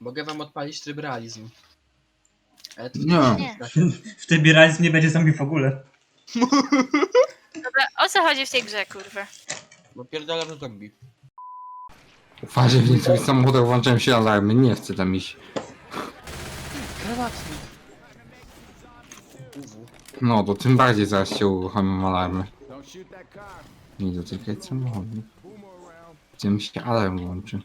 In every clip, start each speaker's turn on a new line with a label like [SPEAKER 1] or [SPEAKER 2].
[SPEAKER 1] Mogę wam odpalić tryb realizm. Ale to
[SPEAKER 2] Nie.
[SPEAKER 3] W tym realizm nie będzie zombie w ogóle.
[SPEAKER 4] Dobra, o co chodzi w tej grze, kurwa?
[SPEAKER 1] Bo pierdolę w zombie.
[SPEAKER 2] Uważaj, w niektórych samochodach włączają się alarmy, nie chcę tam iść.
[SPEAKER 1] Granatnik.
[SPEAKER 2] No, to tym bardziej zaraz się uruchomią alarmy. Nie dotykać samochodu. Gdzie mi się alarm włączy.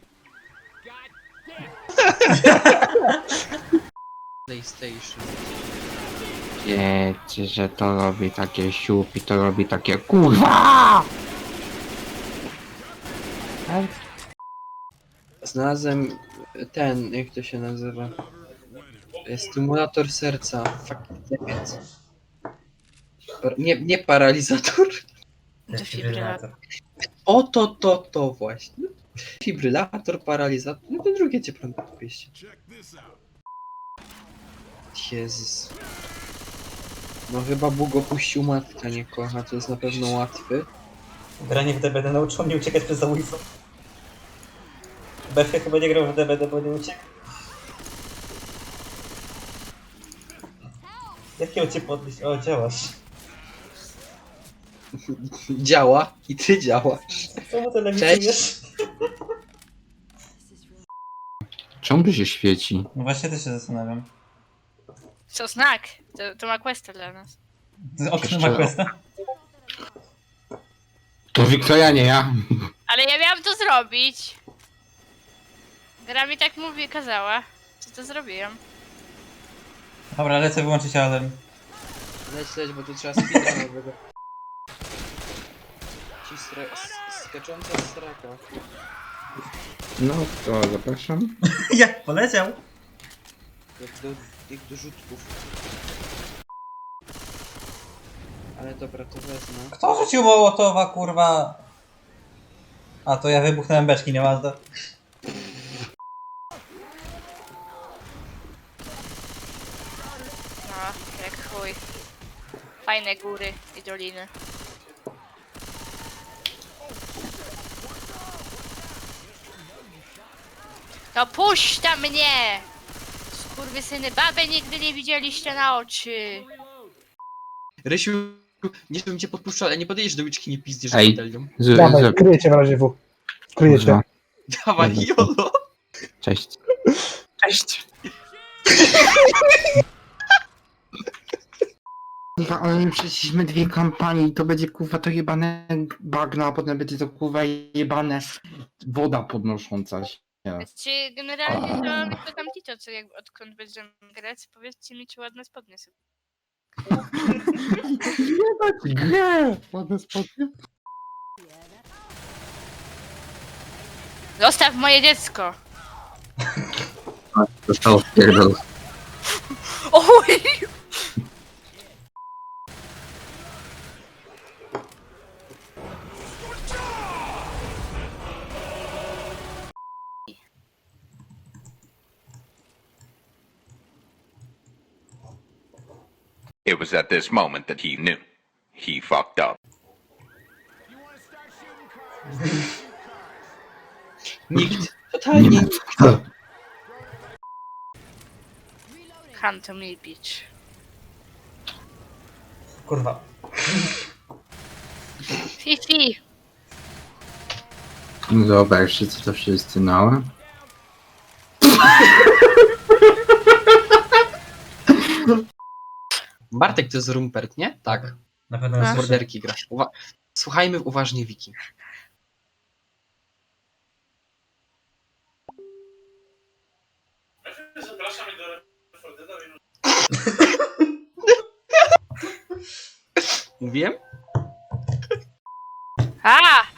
[SPEAKER 1] PlayStation.
[SPEAKER 2] Wiecie, że to robi takie siupi, to robi takie KURWA!
[SPEAKER 1] Znalazłem ten, jak to się nazywa? Stymulator serca. Nie paralizator.
[SPEAKER 4] Defibrylator.
[SPEAKER 1] Oto to właśnie. Fibrylator, paralizator. No to drugie cię prąd podpieści. Jezus. No chyba Bóg opuścił matka, nie kocha. To jest na pewno łatwy.
[SPEAKER 3] Granie w DBD nauczyło mnie uciekać przez zabójcą. Befie chyba nie grał w DBD, bo nie uciekł. Jak ją cię podnieść? O, działasz.
[SPEAKER 1] Działa i ty działasz.
[SPEAKER 3] Czemu to
[SPEAKER 1] Cześć.
[SPEAKER 3] lewicujesz?
[SPEAKER 2] Czemu tu się świeci?
[SPEAKER 3] No właśnie też się zastanawiam.
[SPEAKER 4] Co znak? To ma questa dla nas.
[SPEAKER 3] Okno ma questa?
[SPEAKER 2] To Wiktoria, nie ja.
[SPEAKER 4] Ale ja miałam to zrobić. Gra mi tak mówi, kazała. Co to zrobiłam?
[SPEAKER 3] Dobra, lecę wyłączyć alarm.
[SPEAKER 1] Leć, bo tu trzeba speedrunowego. Ci skacząca straka.
[SPEAKER 2] No to zapraszam.
[SPEAKER 3] Jak poleciał?
[SPEAKER 1] Jak do rzutków. Ale dobra, to wezmę.
[SPEAKER 3] Kto rzucił Mołotowa, kurwa? A, to ja wybuchnąłem beczki, nie Mazda.
[SPEAKER 4] No, jak chuj. Fajne góry i doliny. No puść tam mnie! Skurwysyny, babę nigdy nie widzieliście na oczy.
[SPEAKER 1] Rysiu, nie żebym cię podpuszczał, ale nie podejdziesz do łyczki, nie pizdziesz
[SPEAKER 2] Ej.
[SPEAKER 1] batalią.
[SPEAKER 5] Dawaj, kryjecie w razie W. Kryjecie.
[SPEAKER 1] Dawaj, jolo!
[SPEAKER 2] Cześć. Cześć. Kurwa, ale my przeszliśmy 2 kampanie i to będzie kurwa to jebane bagno, a potem będzie to kurwa jebane woda podnosząca się.
[SPEAKER 4] Czy generalnie to mi to tam Tito, co jak odkąd będziemy grać, powiedzcie mi, czy ładne spodnie są.
[SPEAKER 2] Jebać grę! Ładne spodnie.
[SPEAKER 4] Zostaw moje dziecko!
[SPEAKER 2] Zostało wpierdol.
[SPEAKER 4] Oj!
[SPEAKER 6] It was at this moment that he knew. He fucked up.
[SPEAKER 1] Nikt. Totalnie nikt.
[SPEAKER 4] Hunter me bitch.
[SPEAKER 3] Kurwa.
[SPEAKER 4] Fifi!
[SPEAKER 2] Zobaczcie co to wszyscy no.
[SPEAKER 1] Bartek to jest Rumpert, nie? Tak.
[SPEAKER 3] Na pewno
[SPEAKER 4] A.
[SPEAKER 3] nas
[SPEAKER 1] Z borderki gra. Słuchajmy uważnie Wiki. Mówiłem?
[SPEAKER 4] A!